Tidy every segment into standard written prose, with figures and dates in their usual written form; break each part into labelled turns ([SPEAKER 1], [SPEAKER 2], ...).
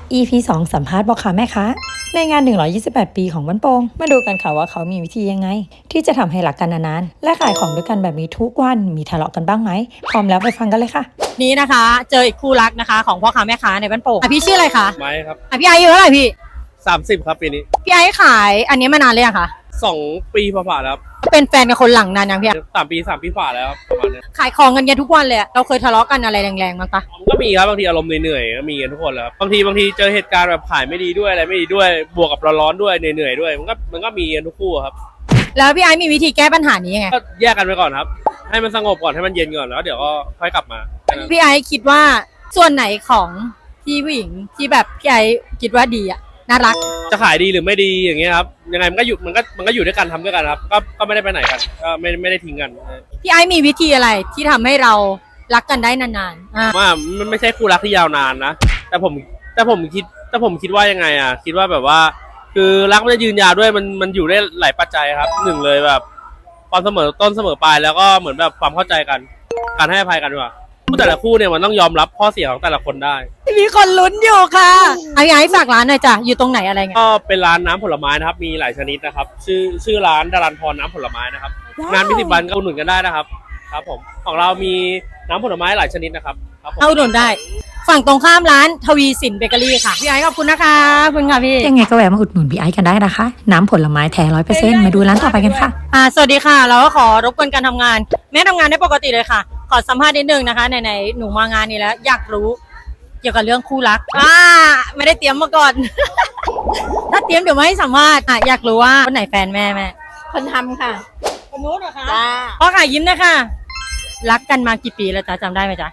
[SPEAKER 1] EP 2 สัมภาษณ์พ่อค้าแม่ค้าในงาน 128 ปีของบ้านโป่งมาดูกันค่ะว่าเขามีวิธียังไง ที่จะทำให้รักกันนานๆและขายของด้วยกันแบบนี้ทุกวันมีทะเลาะกันบ้างไหมพร้อมแล้วไปฟังกันเลยค่ะ
[SPEAKER 2] นี้นะคะเจออีกคู่รักนะคะของพ่อค้าแม่ค้าในบ้านโป่งพี่ชื่ออะไรคะ
[SPEAKER 3] ไม้ครับ
[SPEAKER 2] พี่ไอซ์อายุเท่าไหร่พี่
[SPEAKER 3] 30ครับปีนี้
[SPEAKER 2] พี่ไอซ์ขายอันนี้มานานเลยอะคะ
[SPEAKER 3] 2 ปีผ่านๆแล้วครับ
[SPEAKER 2] เป็นแฟนกับคนหลังนานยังพี่
[SPEAKER 3] 3 ปีฝ่าแล้วครับประมาณนี้
[SPEAKER 2] ขายของกันทุกวันเลยเราเคยทะเลาะกันอะไรแรงๆมั้งปะ
[SPEAKER 3] ก็มีครับบางทีอารมณ์เหนื่อยๆก็มีกันทุกคนแล้วครับบางทีเจอเหตุการณ์แบบขายไม่ดีด้วยอะไรไม่ดีด้วยบวกกับร้อนๆด้วยเหนื่อยๆด้วยมันก็มีกันทุกคู่ครับ
[SPEAKER 2] แล้วพี่ไอซ์มีวิธีแก้ปัญหานี้ยังไง
[SPEAKER 3] ก็แยกกันไปก่อนครับให้มันสงบก่อนให้มันเย็นก่อนแล้วเดี๋ยวก็ค่อยกลับมา
[SPEAKER 2] พี่ไอซ์คิดว่าส่วนไหนของที่ผู้หญิงที่แบบพี่ไอซ์คิดว่าดีอะน่ารัก
[SPEAKER 3] จะขายดีหรือไม่ดีอย่างเงี้ยครับยังไงมันก็อยู่ด้วยกันทำด้วยกันครับก็ไม่ได้ไปไหนกันก็ไม่ได้ทิ้งกัน
[SPEAKER 2] พี่ไอซ์มีวิธีอะไรที่ทำให้เรารักกันได้นาน
[SPEAKER 3] ๆว่ามันไม่ใช่คู่รักที่ยาวนานนะแต่ผมคิดว่ายังไงอ่ะคิดว่าแบบว่าคือรักมันจะยืนยาวด้วยมันอยู่ได้หลายปัจจัยครับหนึ่งเลยแบบความเสมอต้นเสมอปลายแล้วก็เหมือนแบบความเข้าใจกันการให้อภัยกันว่าแต่ละคู่เนี่ยมันต้องยอมรับข้อเสียของแต่ละคนได้
[SPEAKER 2] มีคนลุ้นอยู่ค่ะพี่ไอซ์ฝากร้านหน่อยจ้ะอยู่ตรงไหนอะไรเงี้ย
[SPEAKER 3] ก็เป็นร้านน้ำผลไม้นะครับมีหลายชนิดนะครับชื่อร้านดารันพรน้ำผลไม้นะครับงานพิธีบันก็อุดหนุนกันได้นะครับครับผมของเรามีน้ำผลไม้หลายชนิดนะครับ
[SPEAKER 2] เอาอุดหนุนได้ฝั่งตรงข้ามร้านทวีสินเบเกอรี่ค่ะพี่ไอซ์ขอบคุณนะคะขอบคุณค่ะพี่
[SPEAKER 1] ยังไงก็แวะมาอุดหนุนพี่ไอซ์กันได้นะคะน้ำผลไม้แท้ 100% มาดูร้านต่อไปกันค่ะ
[SPEAKER 2] สวัสดีค่ะเราก็ขอรบกวนการทำงานแม่ทำงานได้ปกติเลยค่ะขอสัมภาษณ์นิดนึงนะคะไหนๆหนูมางานนี้แล้วอยากรู้เกี่ยวกับเรื่องคู่รักไม่ได้เตรียมมาก่อน ถ้าเตรียมเดี๋ยวไม่ให้สัมภาษณ์อยากรู้ว่าคนไหนแฟนแม่
[SPEAKER 4] คนทำค่ะ
[SPEAKER 2] คนนู้นเหรอคะจ้าพ่อค่ะยิ้มนะคะรักกันมากี่ปีแล้วจ๊ะจำได้ไหมจ๊ะ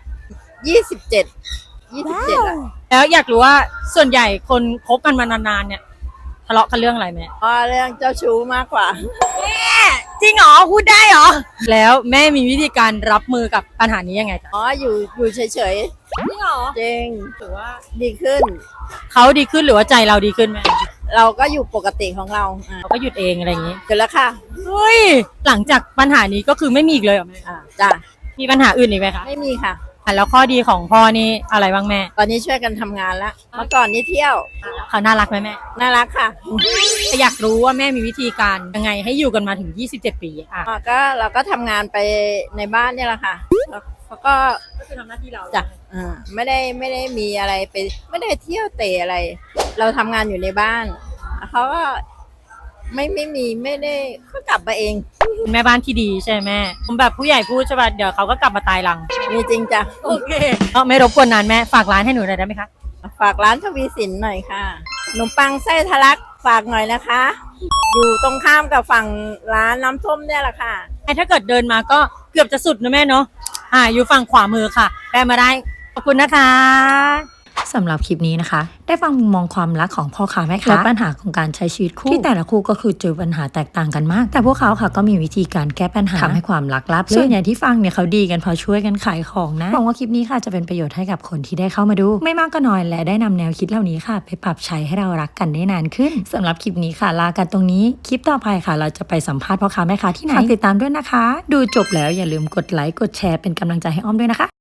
[SPEAKER 4] 27
[SPEAKER 2] แล้วอยากรู้ว่าส่วนใหญ่คนคบกันมานานๆเนี่ยทะเลาะกันเรื่องอะไรแม่
[SPEAKER 4] เรื่องเจ้าชู้มากกว่า
[SPEAKER 2] แม่จริงเหรอพูดได้เหรอแล้วแม่มีวิธีการรับมือกับปัญหานี้ยังไงจ๊ะ
[SPEAKER 4] อยู่เฉย
[SPEAKER 2] ๆจริงเหรอ
[SPEAKER 4] จริง
[SPEAKER 2] ถือว่า
[SPEAKER 4] ดีขึ้น
[SPEAKER 2] เขาดีขึ้นหรือว่าใจเราดีขึ้นแม่
[SPEAKER 4] เราก็อยู่ปกติของเรา
[SPEAKER 2] ก็หยุดเองอะไรอย่างนี้
[SPEAKER 4] เกิดแล้วค่ะ
[SPEAKER 2] เฮ้ยหลังจากปัญหานี้ก็คือไม่มีอีกเลยเหรอแม่
[SPEAKER 4] จ้ะ
[SPEAKER 2] มีปัญหาอื่นอีกไหมคะ
[SPEAKER 4] ไม่มีค่ะ
[SPEAKER 2] แล้วข้อดีของพ่อนี่อะไรบ้างแม่
[SPEAKER 4] ตอนนี้ช่วยกันทำงานแล้วเมื่อก่อนนี่เที่ยว
[SPEAKER 2] เขาน่ารักไหมแม่
[SPEAKER 4] น่ารักค่ะ
[SPEAKER 2] อยากรู้ว่าแม่มีวิธีการยังไงให้อยู่กันมาถึง27ปี
[SPEAKER 4] ก็เราก็ทำงานไปในบ้านนี่แหละค่ะแล้วก็
[SPEAKER 2] คือทำหน้าที่เรา
[SPEAKER 4] จ้ะไม่ได้มีอะไรไปไม่ได้เที่ยวเตะอะไรเราทำงานอยู่ในบ้านเขาก็ไม่ได้เขากลับมาเอง
[SPEAKER 2] แม่บ้านที่ดีใช่ไหมแม่ผมแบบผู้ใหญ่พูดใช่ป่ะเดี๋ยวเขาก็กลับมาตายหลัง
[SPEAKER 4] มีจริงจ้ะ
[SPEAKER 2] โอเคไม่รบกวนนานแม่ฝากร้านให้หนูหน่อยได้ไหมคะ
[SPEAKER 4] ฝากร้านทวีสินหน่อยค่ะขนมปังไส้ทะลักฝากหน่อยนะคะอยู่ตรงข้ามกับฝั่งร้านน้ำส้มเนี่ยแหละค่ะ
[SPEAKER 2] ถ้าเกิดเดินมาก็เกือบจะสุดนะแม่เนาะอยู่ฝั่งขวามือค่ะแวะมาได้ขอบคุณนะคะ
[SPEAKER 1] สำหรับคลิปนี้นะคะได้ฟังมุมมองความรักของพ่อค้าแม่ค้าและปัญหาของการใช้ชีวิตคู่ที่แต่ละคู่ก็คือเจอปัญหาแตกต่างกันมากแต่พวกเขาค่ะก็มีวิธีการแก้ปัญหาทำให้ความรักราบรื่นส่วนใหญ่ที่ฟังเนี่ยเขาดีกันพอช่วยกันขายของนะหวังว่าคลิปนี้ค่ะจะเป็นประโยชน์ให้กับคนที่ได้เข้ามาดูไม่มากก็น้อยและได้นำแนวคิดเหล่านี้ค่ะไปปรับใช้ให้เรารักกันได้นานขึ้นสำหรับคลิปนี้ค่ะลากันตรงนี้คลิปต่อไปค่ะเราจะไปสัมภาษณ์พ่อค้าแม่ค้าที่ไหนฝากติดตามด้วยนะคะดูจบแล้วอย่าลืมกดไลค์กดแชร์เป็นกำลังใจให้อ้อมด้วยนะคะ